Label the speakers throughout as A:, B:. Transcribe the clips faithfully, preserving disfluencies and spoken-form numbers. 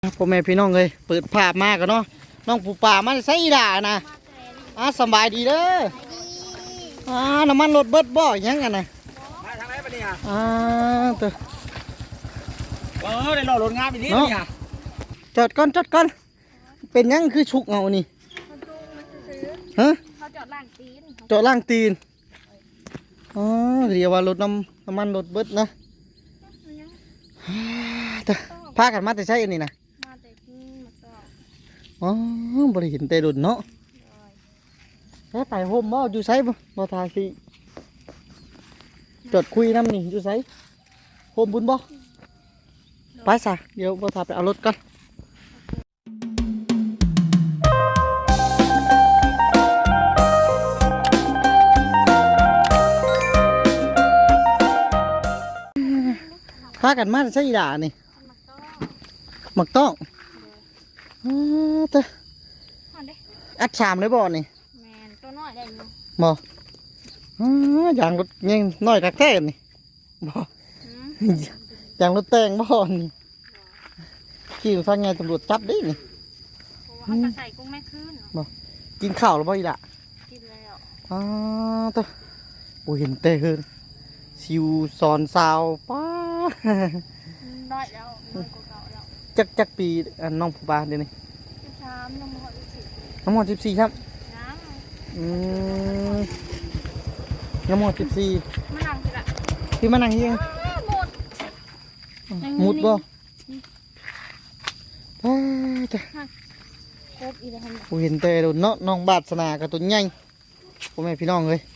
A: พ่อแม่พี่น้องเลยเปิดภาพมากกันเนาะน้องปูป่ามันใส่ด่านะอ่าสบายดีเด้ออ่าน้ำมันรถเบิดบ่อยังกันนะ
B: มาทางไหนปะเนี่ย
A: อ่าตัว
B: เออได้รอรถงานไปนี่เนี่ย
A: จอดก่อนจอดก่อนเป็นยังคือฉุกเอานี่ฮะ
C: เขาจอดล่างตีน
A: จอดล่างตีนอ๋อเรียกว่ารถน้ำน้ำมันรถเบิดนะพากันมาแต่ใช่อันนี้นะ
C: มาแต่ที่มาต่อ
A: อ๋อบริเห็นแต่ดุนเนาะแค่ไต่โฮมบ่อยู่ไซบ่บ่ทาสิจดคุยน้ำนี่อยู่ไซโฮมบุญบ่ไปซะเดี๋ยวบ่ทาไปเอารถก่อนพากันมาใช่ด่านี่หมักต้องอ๋อเตะอัดชามเลยบ่นี่
C: แมนตัวน้อยได้อยู่
A: บ่อ๋อย่างรถยังน้อยกักแท้นี่บ่อย่างรถแต่งบ่นี่ขี่ทางไงตำรวจจับได้นี่
C: เขาจะใส่กุ้งแม่ขึ้น
A: บ่กินข้าวหรือบ่อีล่ะ
C: กินแล้ว
A: อ๋อเตะโอ้เห็นแต่เฮินซิวซอนซาวป้า
C: น้อยแล้วน้อยกว่าเก่าแล้ว
A: จักจักปีน้องผู้ปาเดี๋ยวนี้
C: สิบสามน้องมอสิบสี่
A: น้องมอสิบสี่ครับ
C: น้ำ
A: อืมน้องมอสิบสี่
C: มานั่งสิละ
A: พี่มานั่งเฮียง
C: หมด
A: หมุดบ่ป้าจ้ะ
C: ครบอีกแล้ว
A: ผมเห็นแต่โดนเนาะน้องบาดสนากับตัวใหญ่พ่อแม่พี่น้องเลย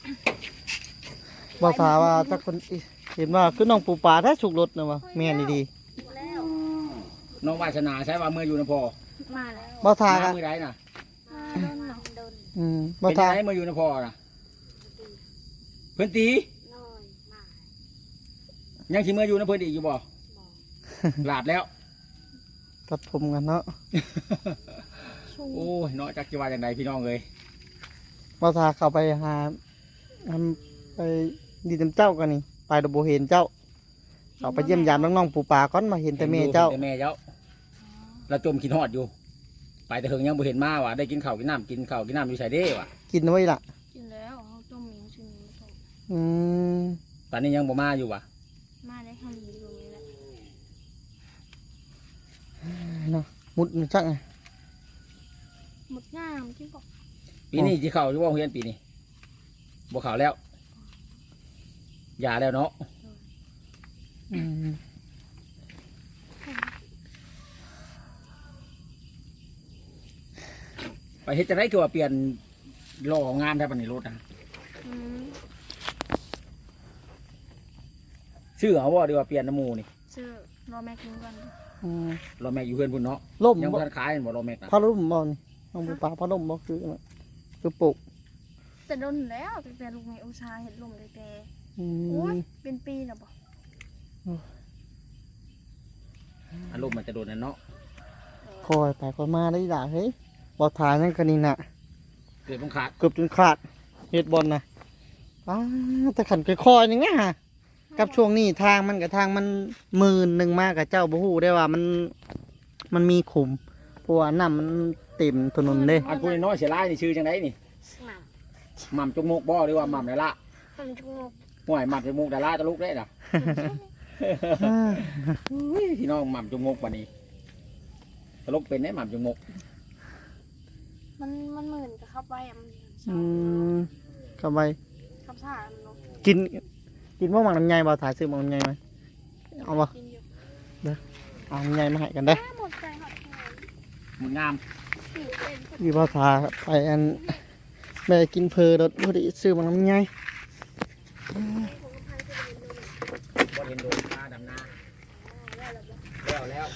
A: บอกถามว่าถ้าคนเห็นว่าคือน้องปูปลาถ้าฉุกรถนะวะแม่นี่ดี
B: น้องวาสนาใช้ว่ามืออยู่นะพ่อ
C: มาแล้ว
A: บอกถามกัน
B: มือไรน่ะ
A: อืมบอกถาม
B: มืออยู่นะพ่อน่ะเพื่อนตียังขี่มืออยู่นะเพื่อนตีอยู่บ่หลาบแล้ว
A: ตัดผมกันเนาะ
B: โอ้ยเนาะจักจีวาอย่างไรพี่น้องเลย
A: บอกถามเข้าไปหาทำไปดีเต็มเจ้ากันนี่ไปดบเห็นเจ้าเขาไปเยี่ยมยามน้องๆปูปลาก้อนมาเห็นแต่แม่เจ้า
B: แต่แม่เจ้าเราจมกินหอดอยู่ไปแต่เฮิงยังบ่เห็นมาว่ะได้กินข้าวกินน้ำกินข้าวกินน้ำอยู่ใส่เด้ว่ะ
A: กินไว้ล่ะ
C: กินแล้วเขาต้มมีชื่อนี้ต้ม
A: อืม
B: ตอนนี้ยังบ่มาอยู่ว่ะ
C: มาได้ทำดีตรงนี้แหละ
A: เนาะมุดมันจังไง
C: หมดงามที่บอก
B: ปีนี้ที่เข้าอยู่ว่าเฮียนปีนี้บ่เข้าแล้วอย่าแล้วเนาะไปเฮ็ดจะได้คือว่าเปลี่ยนโลของงานได้ปะนี่รถอ่ะชื่อเขาว่าดีว่าเปลี่ยนน้ำมูนี่
C: ชื่อรอแม็กซ์กัน
B: รอแม็กอยู่เพื่อนพุ่นเนาะ
A: ล่ม
B: ยังบ่ทันขายบ่รอแม็ก
A: พาล่มบ่นี่น้องปูปลาพาล่มบ่คือคือปลูก
C: แต่โดนแล้วแต่ลูกแม่อุชาเห็ดลมเลยแต่โอ้ยเป็นปีแล้วบ่
B: อารมณ์มันจะโดนนั่นเนาะ
A: คอยไปคอยมาได้ด่าเฮ้ยบอลถ่ายนั่นกันนี่น่ะ
B: เกือบต้องขาด
A: เกือบจนขาดเฮ็ดบอลนะอ้าแต่ขันคอยๆอย่างเงี้ยกับช่วงนี้ทางมันกับทางมันหมื่นหนึ่งมากกับเจ้าบูฮู้ได้ว่ามันมันมีขุมเพราะว่าน้ำมันเต็มถนนเลย
B: อันพูดน้อยเสียร้ายนี่ชื่อจังไดนี่หม่ำจมูกบ่หรือว่าหม่ำไดละ
C: หม่ำจมูก
B: ห่วยหม่ำจมูกไดละตะลุกได้น่ะพี่น้องหม่ำจมูกวันนี้ตะลุกเป็นได้หม่ำจมูก
C: มันมันเหมือนกับข้าวใบอ่ะมัน
A: อืมข้าวใบ
C: ข้าวสาร
A: กินกินพวกหมักน้ำใยบ่ถ่ายซื้อหมักน้ำใยไหมเอาบ่เด้อเอาน้ำใยมาให้กันได้
C: หมดใจหมด
B: หมดงาม
A: พี่พ่อถ่ายไปอันแม่กินเพลรถพอดีซื้อหมักน้ำใย
B: บ่เห็นโดนปลาดำนาแล้วแล้ว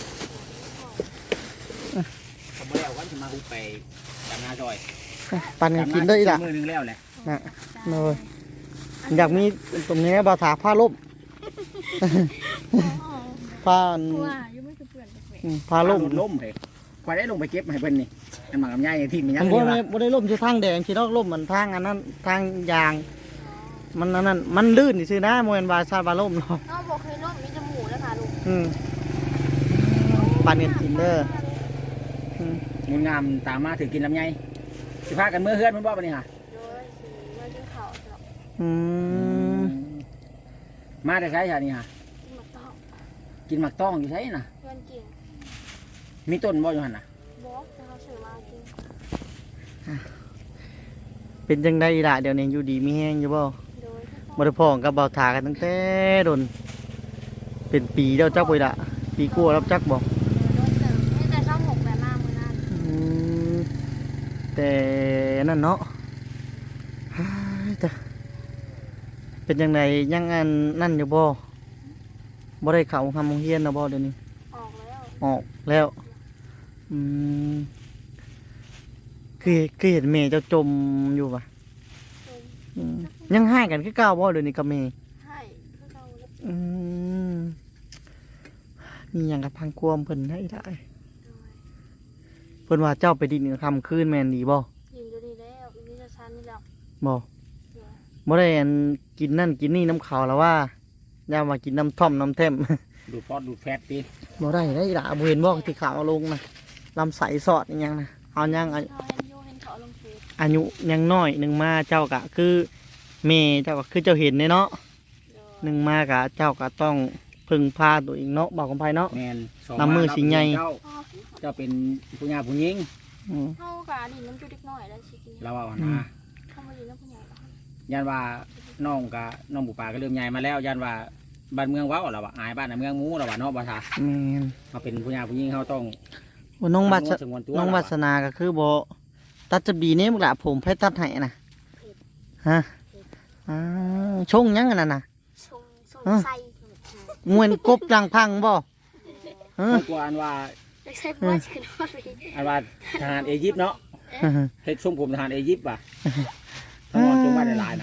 B: ผมไม่แล้ววันที่มาอุไปดำนาจอย
A: ปั่นกินได้ละ
B: มือนึงแล้วแหละ
A: นะเลยอยากมีตรงนี้บ่ถาผ้าล่มผ้าผ้าล่ม
B: ล่มเลยคอยได้ลงไปเก็บให้เพิ่นนี่อันหมักลำไยที่มียัง
A: บ่ได้บ่ได้ล่มที่ทางแดงที่นอกล่มมันทางอันนั้นทางยางมันนั่นมันลื่นซื่อนะโมเอนบาซาบาล่มเนาะ
C: อ๋อบอกเคยล่มมีจมูกแล้วค่ะลูก
A: อืมไปปันกันกินเด้ออืม
B: งดงามตามมาถือกินลำไยสิพากันเมื่อเฮือนมันบ่ปะนี่ฮะ
C: โดยสิมากินข้าวเนาะ
A: อืม
B: มาแต่ใช้ชานี่ฮะ
C: กินหมักต้อง
B: กินหมักต้องอยู่ใช่น่ะ
C: เพื่อนกิน
B: มีต้นบ่อยู่หั่นน่ะ
C: บอกจะเขาซื้อมากิน
A: เป็นจังไดล่ะเดี๋ยวนี้อยู่ดีมีแฮงอยู่บ่
C: โดย
A: บ่ได้พ้องกับเบาถากันตั้งแต่โดนเป็นปีแล้วจักบ่ล่ะปีกว่าแล้วจักบ่
C: โดยเติมให้แต่ช่องหกแบบมามื้อนั้น
A: อืมแต่นั่นเนาะฮ้ายแต่เป็นจังไดยังอันนั่นอยู่บ่บ่ได้เข้าทำโรงเรียนนะบ่เดี๋ยวนี้
C: ออกแล้ว
A: ออกแล้วอืมคือคือเห็นเมย์เจ้าจมอยู่ปะ
C: จม
A: อืมยังให้กันคือเก่าบ่เดี๋ยวนี้กับเมย์
C: ให้คือเราเลย
A: อืมมีอย่างกับพังความเพิ่นให้ได้
C: โดย
A: เพิ่นว่าเจ้าไปดินคำคืนแม่นดีบ่
C: ยินอยู่ดีแล้วอีนี่จะชันนี่แล้ว
A: บ่
C: โดย
A: บ่ได้อันกินนั่นกินนี่น้ำขาวแล้วว่าอย่ามากินน้ำท่อมน้ำเทม
B: ดูดฟอสดูดแฟตติ
A: บ่ได้ได้ล่ะบ่เห็นบ่ที่ขาวเอาลงนะลำใสสอดอีหยังนะเอายังอา
C: เขาเห็นอยู่เห็นเขาลงเฟซ
A: อายุยังน้อยหนึ่งมาเจ้ากะคือเมย์เจ้าก็คือเจ้าเห็นเนี่ยเนาะ
C: โดย
A: หนึ่งมากะเจ้าก็ต้องพึ่งพาตัวเองเนาะบอกกันไปเนาะ
B: แม่นสอง
A: น้ำมือสิใหญ่
B: เจ้า
C: พ่อ
B: เจ้าเป็นผู้หญิงผู้หญิง
A: อืม
C: เขากะดินน้ำจุดเล็กน้อยแล้วสิกิน
B: เราเอา
A: อื
B: นะ
A: ม
C: เขามาดินน้ำผู้ใหญ่แล้ว
B: ยันว่าน้องกะน้องบุปผาก็เริ่มใหญ่มาแล้วยันว่าบ้านเมืองเว้าเราว่าอายบ้านน่ะเมืองหมูเราว่าเนาะบ่ทา
A: แม่น
B: มาเป็นผู้หญิงผู้หญิงเขาต้อง
A: ว่าน้องบัส
B: สงวนตัว
A: น้อง
B: เรา
A: วั
B: ว่า
A: สนาก็คือบ่ตัดจะบีเนี่ยมึงละผมให้ตัดให้นะฮะอ่าชงยังอันนั้นน่ะ
C: ชงชง
A: ฮะ
C: ไส้
A: งวนกบรังพังบ่ฮะ
B: เขากลัวอันว่า
C: ไม่ใช่พ่อเชนว่าเลย
B: อันว่าทหารอียิปต์เนาะเฮ็ดทรงผมทหารอียิปต์ว่ะต้องเอาจงไว้ในลายนะ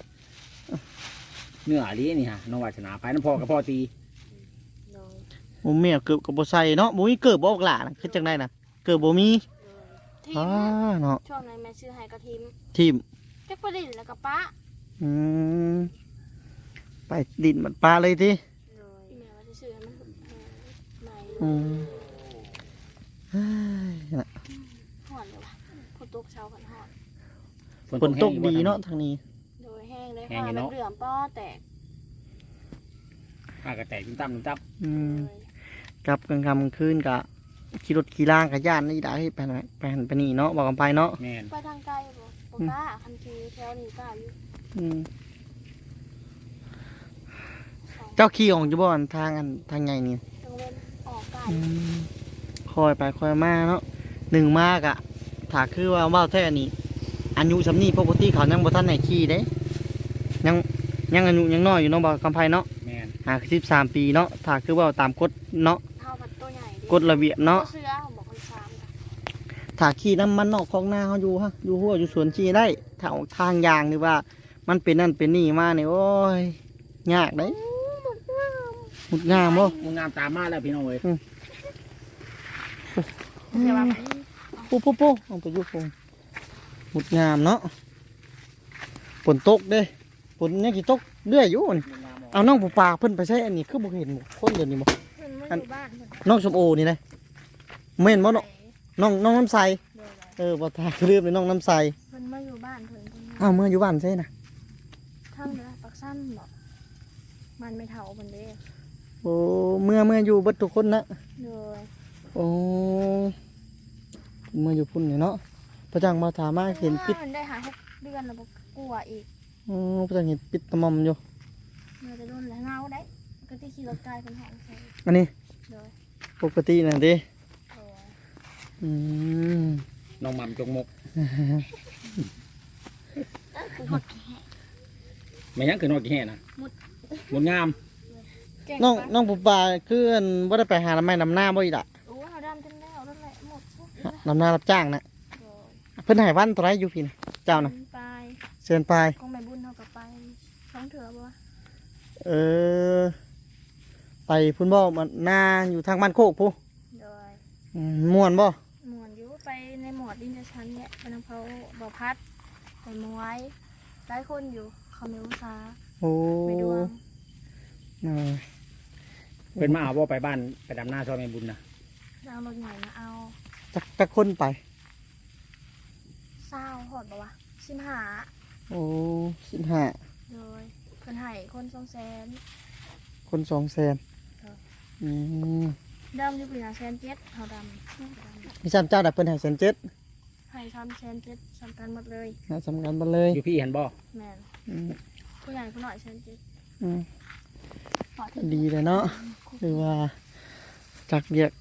B: เนื้ออันนี้นี่ฮะน้องวาสนาไปน้ำพ่อกับพ่อตี
C: โดย
A: บ่แม่เกือบกับบ่ใส่เนาะบ่มีเกิบบ่ออกหล่าน่ะคือจังไดน่ะเกิบบ่มี
C: ที
A: อ่าม เนาะ
C: ช่วงนั้นแม่ซื้อให้กระทิม
A: ทีม
C: จักประดินแล้วก็ป้า
A: อืมไปดินมันปลาเลยที
C: เลยแม่ว่าจะซื้อให้มันใหม่
A: อืมเฮ้ยน่ะ
C: หอนเลยวะฝนตกเช้ากันหอน
A: ฝนตกดีเนาะทางนี้
C: โดยแห้งเลยค่ะมันเหลื่อมป้อแตก
B: ปากกระแตกจิ้มตั้มจิ้มตั้ม
A: อืม
C: เลย
A: กลับกลางค่ำกลางคืนกะขี่รถขี่ล่างกับย่านนี่ได้ไปไหนไปหันไปนี่เนาะบอกกันไปเนาะ
B: แม่น
C: ไปทางไกลบ่บ่กล้าคันทีแถวนี้กล้าอยู่
A: อืม
C: สอง
A: เจ้าขี่ออกอยู่บ่อนทางอันทางไงนี่
C: ตรงเว้นออกไกล
A: อืมคอยไปคอยมาเนาะหนึ่งมากอะถ้าคือว่าว่าวแท้นี่อายุสำนี้ปกติเขายังบ่ทันไหนขี่เด้ยังยังอายุยังน้อยอยู่เนาะบอกกันไปเนาะ
B: แม่น
A: หาสิบสามปีเนาะถ้าคือว่าตามกฎเนาะ
C: เท่ากับตัวใหญ่ดิ
A: กฎระเบียบเนาะ
C: เสื้อบอกคนสามค่ะ
A: ถ้าขี่น้ำมันนอกของหน้าเขาอยู่ฮะอยู่หัวอยู่สวนขี่ได้ถ้าออกทางยางหรือว่า มันเป็นนั่นเป็นนี่มาเนี่ยโอ้ยยากได้หมุดงามบ่
B: มึงงามตามมาแล้วพี่น้องเอ้ย
C: เดี๋ยวว่า
A: ปุ๊บปุ๊บปุ๊บเอาไปอยุบงหมุดงามเนาะฝนตกเด้ฝนเนี่ยกี่ตกเรื่อยอยู่นี่
B: มึงงามออก
A: เอาน้องปูปลาเพิ่นไปใช้อันนี้คือบ่เห็นบ่คนเดี๋ยวนี้บ่
C: เพิ่นมาอยู่บ้านเพิ่น
A: น้องชมโอนี่นะเม่นบ่เนาะ
C: ไป
A: น้องน้องน้ำใส
C: เดี๋ยว
A: เออบ่ทาลืมเลยน้องน้ำใส
C: เพิ่นมาอยู่บ้านเพิ่นเพิ่นมา
A: อ้าวเมื่ออยู่บ้านใช่นะ
C: ทางเด้อปักสั้นบ่มันไม่เท่าเพิ่นเด้
A: โอ้เมื่อเมื่ออยู่เบิดทุกคนนะ
C: เลย
A: โอ้เมื่ออยู่พุ่นเนี่ยเนาะประจังมาถามมาเห็นปิด
C: มันได้หาหกเดือนแล้วบ่กลัวอีก
A: อ๋อประจังเห็นปิดตะมอมอยู่
C: มันจะโดนแล้วเงาได้ก็ที่ขี่รถไกลเพิ่นหองใส่
A: อันนี้
C: เลย
A: ปกติน่ะเดิ
C: โอ้ย
A: อืม
B: น้องหม่ำจงมก
C: กูหมดแค่
B: ไม่ยังคือนอกกี่แห่นะหมดงาม
C: เก่ง
A: น้อง
C: ปะ
A: น้องปูปลาคืออันบ่ได้ไปหาน้ำไม้น้ำหน้าบ่อีกล่ะ
C: โอ้ยเขาดำจนแล้วนั่นแหละหมดทุก
A: ฮะน้ำหน้ารับจ้างนะ
C: โอ้ย
A: เพิ่นให้วันเท่าไหรอยู่พี่นะเจ้านะ
C: ไป
A: เชิญไป
C: คงไม่บุญเท่ากับไปท้องเถื่อบ่วะ
A: เออ ไปพุ่นบ่มันหน้าอยู่ทางบ้านโคกพู้
C: โดย
A: อืมม่วนบ่
C: หมวนอยู่ไปในหมวดดินจะชั้นเนี่ยเป็นอำเภอบ่อพัดไปมวยหลายคนอยู่เขาไม่อุตสาห์
A: โอ้
C: ไปดวง
A: เออ
B: เป็นมาเอาว่าไปบ้านไปดำหน้าซอยแม่บุญนะ
C: โเอารถใหญ่มาเอา
A: จักจักคนไป
C: เศร้าหอดบ่วะสิมหา
A: โอ้สิบห้า
C: เลยเพิ่นให้คนสองแสน
A: คนสองแสน
C: ครับ
A: อืม
C: ดำอยู่ปีละแสนเจ็ดเฮาดำ
A: พี่ซ้ำเจ้าดับเพิ่นให้แสนเจ็ด
C: ให้ทำแสนเจ็ดสำคัญหมดเลย
A: นะสำคัญบ่เลย
B: อยู่พี่เห็นบ่
C: แม่น
A: อืม
C: ผู้ใหญ่ผู้น้อยแสนเจ็ด
A: อืม
C: ขอโทษ
A: ดีเลยเนาะหรือว่าจักเรียก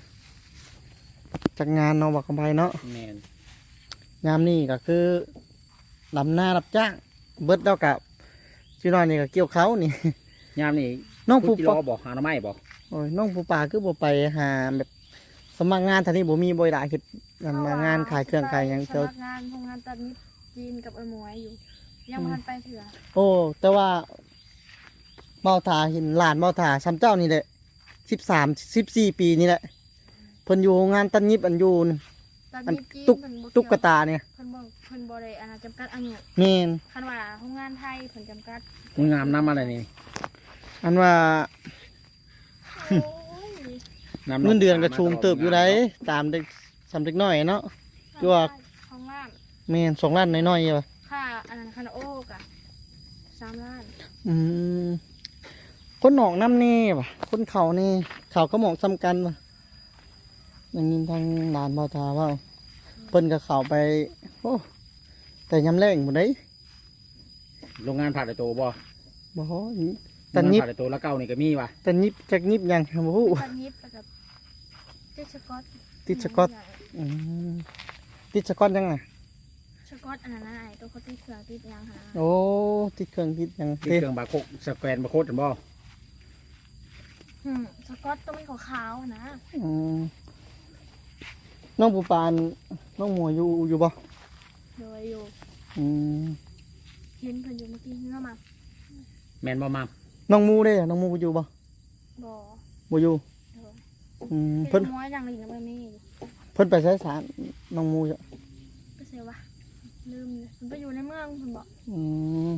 A: จักงานเนาะบอกกันไปเนาะ
B: แม่น
A: ยามนี้ก็คือลำหน้ารับจ้างเบิดแล้วกับชื่อน้อยนี่ก็เกี่ยวเขานี่
B: ยามนี่
A: น้อง
B: ผู้
A: ผู้
B: กิ
A: ป
B: โล
A: อ
B: บ่หาหน่อไม้บ่
A: โอ้ยน้องผู้ป่าคือบ่ไปหาแบบสมัครงานทางนี้บ่มีบ่ได้คือนั่นมางานขายเครื่องขายหยัง
C: ส
A: เจ้า
C: มัครงานโรงงานตัดนิดจีนกับไอ้หมวยอยู่ ยังบ่ทันไปเถื่อ
A: โอ้แต่ว่าเมาถาเห็นหลานเมาถาซ้ำเจ้านี่แหละสิบสามสิบสี่ปีนี่แหละเพิ่นอยู่โรงงานตัดยิบอันอยู่
C: ตัด
A: อัน
C: นิดจีน
A: ตุ๊ก
C: เพิ่นบ่
A: ตุ๊ก
C: เกี่ยว
A: ตาเนี่ย
C: เพิ่นบ่เพิ่นบ่ได้อาณาจำกัดอันเนี้ย
A: แม่น
C: คันว่าโรงงานไทยเพิ่นจำกัด
B: มึงงามน้ำอะไรนี่
A: อันว่า
C: โอ้ย
B: น้ำ
A: เงินเดือนก็ชูงเติบอยู่ไดตามเด็กสำเด็กน้อยเนาะ คือว่า
C: ของล้าน
A: แม่นสองล้านน้อยๆว่ะ
C: ค่าอันนั้นค่าโอ๊กอะสามล้าน
A: อืมคนหนองน้ำนี่ว่ะคนเขานี่เขาก็หมองซ้ำกันว่ะอย่างนี้ทางหลานเมาถาว่าเพิ่นกับเขาไปโอ้แต่ยำแรงหมดเลย
B: โรงงานผัดไอโตบ่
A: บ่ฮอ
B: โร
A: แต่
B: งงาน
A: นิบ
B: ผัดไอโตแล้วเก่านี่ก็มีว่ะ
A: แต่นิบจากนิบยังบ่ฮู้
C: ตัดนิดแล้วกับติดสกอต
A: ติดสกอต อืมติดสกอตยังไง
C: สกอตอันนั้นน่ะไอ้ตัวเขาติดเครื่องติดหยังหา
A: โอ้ติดเครื่องติดยัง
B: ที่
A: เด้
B: เครื่องบาร์โคดสแกนบาร์โคดเห็นบ่
C: อืมสกอตต้องเป็นขาวๆอะนะ
A: อืมน้องปูปานน้องหมวยอยู่อยู่บ่
C: โดยอยู่
A: อืม
C: เห็นเพิ่นอยู่เมื่อกี้เนื้อมา
B: แม่นบ่มา
A: น้องมูเด้น้องมูอยู่บ่
C: บ่
A: บ่อยู่
C: โดย
A: อืม
C: เพิ่
A: เพิ่
C: น
A: น
C: ม้อยอย่างนี้นะเพิ่นมีอยู่
A: เพิ่นไปใช้สารน้องมูจ้ะ
C: ก็เสียวะลืมเลยเพิ่นไปอยู่ในเมืองเพิ่นบอก
A: อืม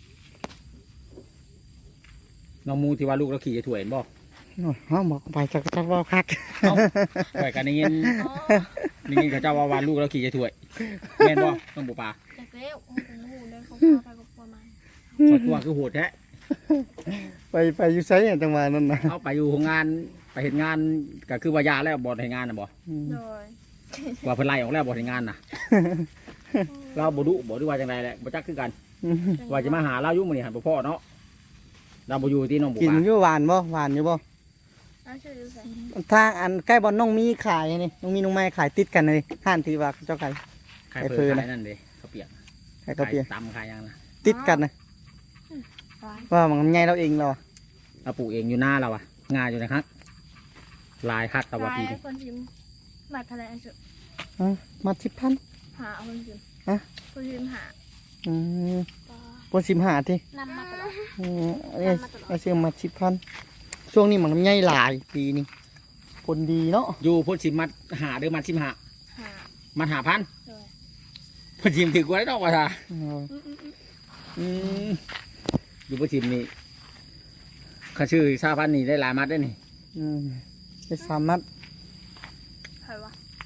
B: น้องมูที่ว่าลูกเราขี่จะถ่วยเห็นบ่
A: โอ้ยเฮาบอกไปจักจักเว้าคัก
B: เอ้าไปกันได้ยิน
C: อ๋อ
B: ได้ยินเขาเจ้าว่าว่าลูกเราขี่จะถ่วยแม่นบ่น้องปูปลา
C: จากเร็วโอ้โหเลยเขาพาไปกับประมาณ
B: คอยกลัวคือโหดแท้
A: ไปไปอยู่ไสจังหวะนั้นน่ะ
B: เอาไปอยู่โรงงานไปเห็นงานก็คือว่ายาแล้วบ่เห็นงานน่ะบ่
A: อืม
C: โดย
B: ว่าเพิ่นไล่ออกแล้วบ่เห็นงานน่ะ เราบ่ดุบ่ดูว่าจังไดแหละบ่จักคือกัน ว่าจะมาหาเราอยู่มื้อนี้หันบ่พอเนาะเราบ่อยู่ที่น้องปู
A: กิน
B: ปลา
A: อยู่หวานบ่หวานอยู่บ่
C: แล้วชื่อดูใส่
A: ทางอันใกล้บ่อนน้องมีขายนี่น้องมีน้องไม้ขายติดกันเลยห้านที่ว่าเจ้าขาย
B: ใคร
A: ไอ้
B: เพิ่
A: เพิ่
B: น
A: น
B: ขายนั่นเด้เขาวเปียก
A: ขายกระเปีย
B: ขายตำขายหยังนะ
A: ติดกันนะ
C: หวาน
A: ว่ามันใหญ่เราเองเราอะ
B: เราปลูกเองอยู่หน้าเราอะงาอยู่นะครับลายคักตะวัน
C: ลาย
B: ที
C: ไอ้คนชิมมาทะเลอันสุด
A: อ่ะมาสิบพัน
C: หาเอาคนชิม
A: ฮะ
C: คนชิมหา
A: อืม
C: ต่อ
A: ปนสิมหาที
C: นำมาตลอด
A: อืมอันนี้ไอ้เสียงมาสิบพันช่วงนี้มันใหญ่หลายปีนี้ผลดีเนาะ
B: อยู่พ่นชิมมัดหาเด้อมัดชิมหา
C: หา
B: มัดหาพัน
C: โดย
B: พ่นชิมถือกว่าได้ดอกว่าท่า
A: อืม
C: อืมอืมอืม
B: อืมอยู่พ่นชิมนี่เขาชื่อชาพันนี่ได้หลายมัดได้อนี่
A: อืมไปสามนัด
C: ใครวะ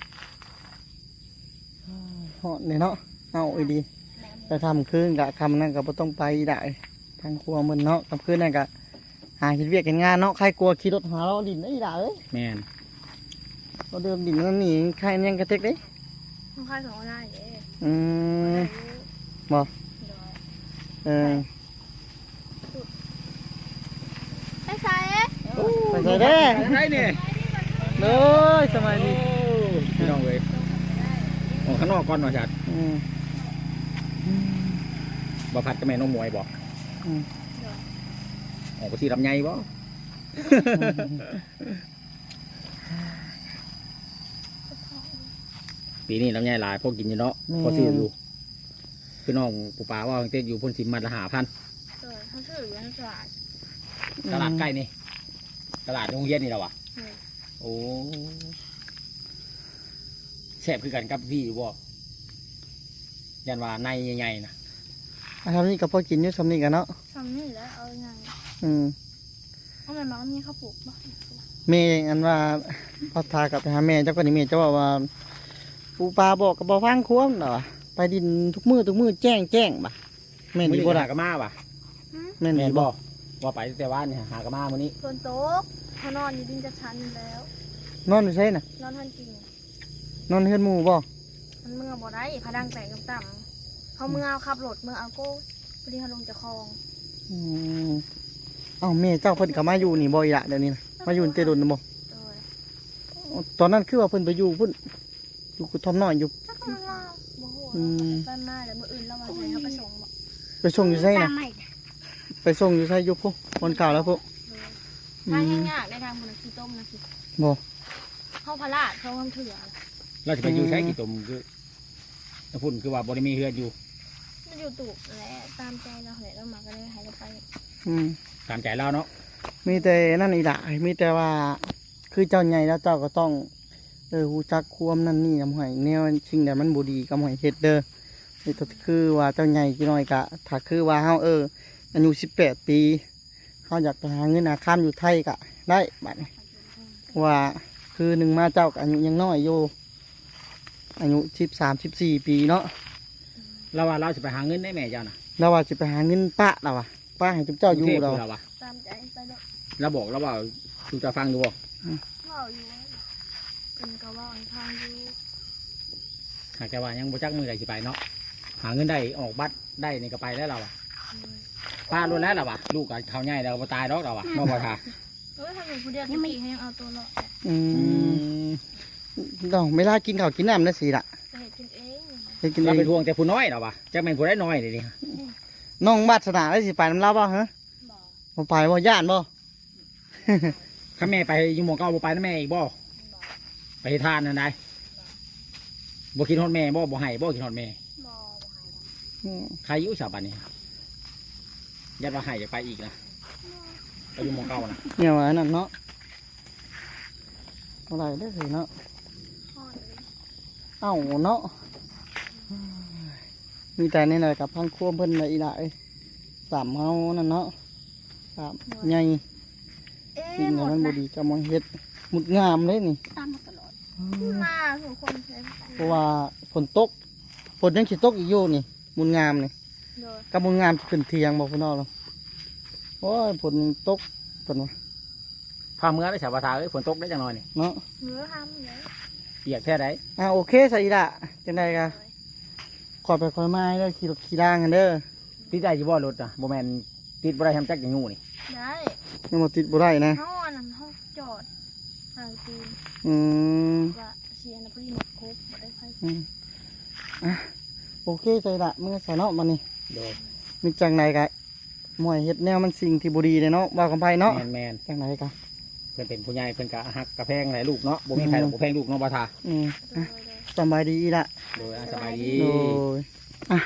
A: เหาะเนี่ยเนาะเอาไอ้ดี
C: แหนม
A: แต่ทำคืนกะคำนั่นก็บ่ต้องไปได้ทางครัวมันเนาะกับคืนนั่นกะหาเห็นเวียกเห็นงานเนาะใครกลัวขี่รถหาเราดินได้ด่าเอ้ย
B: แมน
A: เราเดิมดินนั่นนี่ใครยังกระเทกเด้
C: มึงค่ายสองได้เด้
A: อืม บ่
C: โดย
A: เออ
C: ไอ้ชาย
A: ไปใส่เด้
B: ได้เนี่ย
A: เลยสมัยนี้
B: พี่น้องเลยออกข้างนอกก่อนหน่อยจัด
A: อืม
B: บ่พัดกับแม่น้องมวยบอก
A: อืม
B: ออกไปที่ลำไยบ่ปีนี้ลำไยหลายพวกกินอยู่เนาะพอซื้ออยู่พี่น้องปูปลาว่าเต้อยู่พ่นชิมมัดละหาพัน
C: โดยเขาชื่ออยู่ในตลาด
B: ตลาดใกล้นี่ตลาดโรงเรียนนี่เราอะ
C: เออ
B: โอ้แซ่บคือกันกับพี่อยู่บ่ยันว่าในใหญ่ๆนะ
A: อ่ะทำนี่กับพ่อกินอยู่ทำนี่กันเนาะ
C: ทำนี่แล้วเอาไง
A: อืม
C: เอาแม่มามีข้าวปลูกบ่
A: แม่อันว่าพอทากลับไปหาแม่เจ้าก็นี่แม่เจ้าว่าว่าปูปลาบอกกับบ่ฟังควมเนาะไปดินทุกมื้อทุกมื้อแจ้งแจ้งบ่แม่น
B: มื้อ
A: ดี
B: นี้
A: บ่
B: หา
A: ล่ะ
B: กะมาว่ะ
A: แม่น
B: แม่
A: ดี
B: น
A: บ่
B: บ่ว่าไปแต่ว่านี่หากะมามื้อนี้
C: ฝนตกเขานอนอยู่ดินจะชั้นอยู่แล้ว
A: นอนอยู่ไสน่ะ
C: นอนทันจริง
A: นอนเฮือนหมู่บ่
C: มันเมื่อบ่ได้พะดังแตกต่ำๆเขาเมื่อเอาขับรถเมื่อเอาโก้พอดีเขาลงจากคลอง
A: อืมเอ้าแม่เจ้าเพิ่นก็มาอยู่นี่บ่อีหละเดี๋ยวนี้นะมาอยู่เตดนบ่
C: โดย
A: ตอนนั้นคือว่าเพิ่นไปอยู่พุ่นอยู่กุทอมน้อยอยู่
C: ถ้าเขาเล่าบ่โห
A: อืม
C: บ้านมาแล้วมื้ออื่นเราว่าใส่เขาไปส่งบ่
A: ไปส่งอยู่ไสน่ะไปส่งอยู่ไสอยู่พุ่นคนเก่าแล้วพุ่น
C: ทางยากๆได้ทางบุญขี้ต้มนะขี้
A: บ่
C: เข้าพระราชเขาทำเถื่อ
B: เราจะไปอยู่ใช้กี่ตุ่มคือพุ่นคือว่าบ่ได้มีเฮือนอยู่
C: มันอยู่ตูบและตามใจเราเหยเรามาก็เลยหายเราไป
A: อืม
B: ตามใจเราเนาะ
A: มีแต่นั่นอีหละมีแต่ว่าคือเจ้าใหญ่แล้วเจ้าก็ต้องเออฮู้จักความนั่นนี่กับหอยแนวสิ่งใดมันบ่ดีกับหอยเฮ็ดเด้อนี่ก็คือว่าเจ้าใหญ่กี่น้อยกะถ้าคือว่าเฮาเอออายุสิบแปดปีเฮาอยากไปหาเงินหาค้ามอยู่ไทยกะได้บัดนี้ว่าคือหนึ่งมาเจ้าก็อายุยังน้อยอยู่อายุสิบสามสิบสี่ปีเนาะ
B: เราว่าเราจะไปหาเงินได้แม่เจ้าน่ะ
A: เราว่าจะไปหาเงินป้าเราอะป้าให้เจ้าอยู่
B: กรุงทพ
A: เรา
B: เราว่ะ
C: ตามใจไปเลย
B: เราบอกเราว่าดูจะฟังดูบ่
C: ว่าอยู่เป็นกระว่าอันทางอยู่
B: หากแต่ว่ายังบ่จักมือใดสิไปเนาะหาเงินได้ออกบัตรได้นี่ก็ไปแล้วเราอ่ะป้ารู้แล้วเราอ่ะลูกกับเขาใหญ่เราบ่ตายดอกเราอ่ะนอกบ่ทา
C: เฮ้ยทำอย่างผู้เดียวยังไม่ให้ยังเอาตัวรอด
A: อืมดอกไม่ล่ากินข้าวกินน้ำนะสิละ
C: จะเห็นกินเอง
A: ไปกิน
B: เรา
A: เอ
B: ไป
A: ง
B: ทวงแต่ผู้น้อยเราอ่ะจักแม่นผู้ได้น้อยนี่ดิ
A: น้องบัดสนาได้สิไปน้ำเล่าบ่ฮะ
C: บอก
A: บ่ไปบ่ย่านบ่
B: ถ้าแม่ไปอยู่หมู่เก่าบ่ไปนะแม่อีกบ่ไปเฮ็ดทานนั่นได้บ่คิดฮอดแม่บ่บ่ให้บ่คิดฮอดแม่
C: บอกบอกหายแล้ว
A: อืม
B: ใครอยู่ชาวบ้านนี้ยัดว่าให้จะไปอีกนะไปอยู่หมู่เก่านะ
A: เนี่ยว่าอันนั่นเนาะอะไรได้อสิเนาะ
C: พ่อเลย
A: เอ้าเนาะมีแต่นี่แหละกับพังควมเพิ่นละอีหละเอ้ยสามเฮานั่นเนาะสามใหญ่
C: เอ๊ะ
A: สิ่ง
C: หม
A: นั้น
C: ด
A: มันบ่
C: นะ
A: ดีจะมองเฮ็ดหมุดงามเลยนี่
C: ตามมาตลอดหน้าของคนใช้
A: เพราะว่าฝนตกฝนยังสิตกอีกอยู่นี่หมุดงามนี่
C: โดย
A: กับหมุดงามสิขึ้นเทียงบ่พุ่นเนาะเนาะโอ้ยฝนยังตกเพิ่นว่า
B: พาเมื่อได้ชาวบ้านเอ้ยฝนตกได้จังหน่อยนี่
A: เนาะ
C: เนื้อทำเลย
B: เปียกแท้ได
A: อ่าโอเคใส่อีละจังไดกะขอไปคอยมาเด้อขี่รถขี่ด่างกันเด้อ
B: ติดได้อยู่บ่รถอ่ะบ่แม่นติดบ่ได้ทำจักอย่างงูนี่
C: ได้
A: ยังบ่ติดบ่ได้นะ
C: เขาอันนั้นเขาจอดทางตีน
A: อืม
C: ว่าเชียร์นะพอดีหมดครบหมดได้ไฟ
A: อืมอ่ะโอเคใจละเมื่อใส่เนาะมันนี่
B: โดย
A: มีจังไหนกะมวยเฮ็ดแนวมันสิ่งที่บ่ดีเลยเนาะว่ากันไปเนาะ
B: แมนแมน
A: จังไหนกะ
B: เพิ่นเป็นผู้ใหญ่เพิ่นก็ฮักกระแพงหลายลูกเนาะบ่มีใครหรอกบ่แพงลูกเนาะบ่ทา
A: อืม
C: โด
A: อ่ะ
C: ยโดย
A: สำบายดีอีละ
B: โดยอ่ะสบายดี
A: โดยอ่ะ